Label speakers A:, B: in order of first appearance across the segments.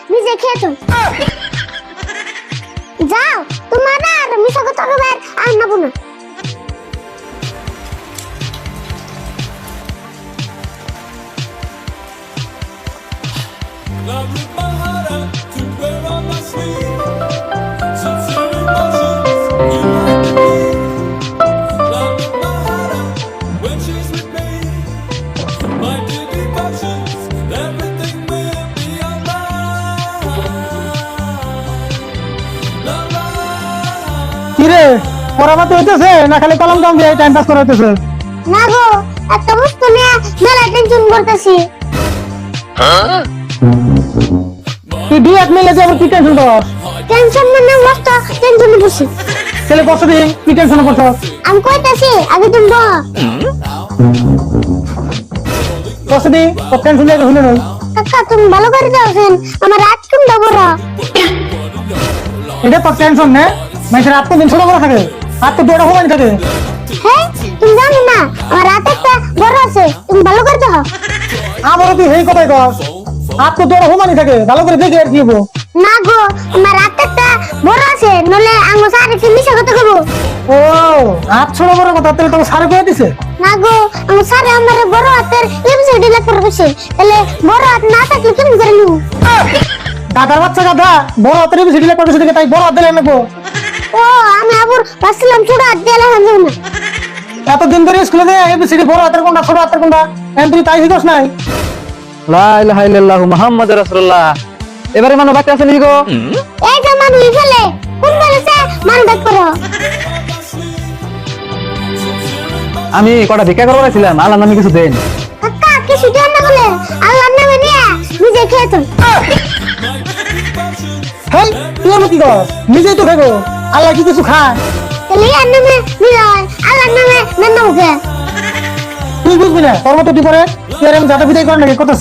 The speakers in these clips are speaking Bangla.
A: নিজে খেয়েছো যাও তোমার আর মিশা কথা কবে আর নাবো না
B: Love with my heart out to wear on my sleeve. Sincere emotions, you like to be. Love with my heart out when she's with me. My deep emotions, everything will be alright. La la.
C: কিরে পড়াবাতে হইতেছে না খালি কলম কাম দিয়ে টাইম পাস করা হইতেছে?
A: না গো একটা বস্তু নিয়ে মেলা টেনশন করতেছি
C: তুই দুই এক মিলে যে আবার কি টেনশন কর?
A: টেনশন মানে মস্ত টেনশন বসি
C: ছেলে বসে দিই কি টেনশন করছ?
A: আমি কইতাছি আগে তুমি বল
C: বসে দিই ও টেনশন নিয়ে হইলো না।
A: কাকা তুমি ভালো করে যাওছেন আমার রাত তুমি বড়
C: এটা তো টেনশন নে মানুষের আত্মদিন ছোট বড় থাকে আত্ম বড় হওয়ানি থাকে।
A: হ্যাঁ তুমি জানো না আমার রাত একটা বড় আছে তুমি ভালো করে যাও
C: আমারও তুই এই কথাই কর আত্ম বড় হওয়ানি থাকে ভালো করে দেখে আর কি হবো?
A: না গো আমার রাত একটা বড় আছে নলে আঙ্গো স্যার কি মিছা কথা কইবো
C: ও হাত ছোট বড় কথা তাহলে তো সারে কয়ে দিছে।
A: না গো আঙ্গো স্যার আমার বড় হাতের এমসিডি লেখ করে বসে তাহলে বড় হাত না থাকলে কেমন করে নিব
C: দাদার বাচ্চা গাধা বড় হাতের বেশি দিলে কত দিকে তাই বড় হাত দিলে নেবো।
A: ও আমি আবার ভাবছিলাম ছোট হাত দিয়ে লেখা যাবে না
C: এতদিন ধরে স্কুলে দেয় এবিসিডি বড় হাতের কোনটা ছোট হাতের কোনটা এখন তুই তাই শিখছ নাই?
D: লা ইলাহা ইল্লাল্লাহু মুহাম্মাদুর রাসূলুল্লাহ। এবারে মানুষ বাকি আছে নাকি গো?
A: এই যে মানুষ ফেলে কোন বলেছে মানুষ ডাক করো
D: আমি কটা ভিক্ষা করবো ছিলাম, আল্লাহর নামে কিছু দেন।
A: কাকা কিছু দেন না বলে আল্লাহর নামে নিয়ে নিজে খেয়েছো
C: হেই তুই আমার কি কর নিজেই তো খাবো আল্লাহ কি কিছু খায়?
A: তাহলে ইয়ার নামে নিয়ে আল্লাহর নামে নাম মুখে
C: তুই বুঝবি না তোর মতো তুই পরে তুই আর আমি যাতা বিদায় করে নাকি কথা আছে?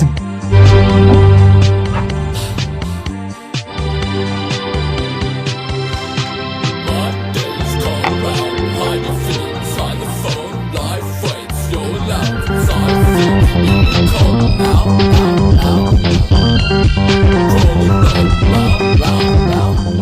B: My days come round, hide your feet inside the phone. Life waits, your love inside the feet. Cold out, out, out. Rolling round, round, round.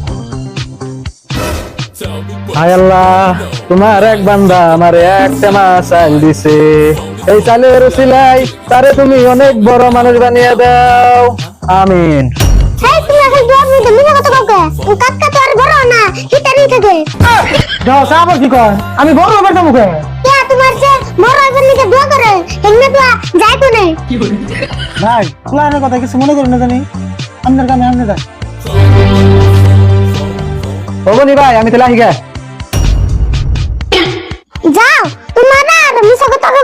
B: Tell me what
D: হায় আল্লাহ, তোমার এক বান্দা আমার একটা মাছ চাল দিছে, এই চালের উসিলাই তারে তুমি অনেক বড় মানুষ বানিয়ে দাও, আমিন।
A: এই তুমি এখন দোয়া দিতে মিছা কথা কাউকে কাকা তো আর বড় না হিটারি থাকে
C: যাও চা আবার কি কর আমি বড় ব্যাপারটা মুখে
A: কে তোমার যে বড় একজন নিকে দোয়া করে এমনি তো যাই তো নেই
C: ভাই প্ল্যানের কথা কিছু মনে করি না জানি আপনার কামে আপনি যান।
D: ওগনি ভাই আমি তাহলে আহিগা।
A: যাও তোমার আর মিছা কথা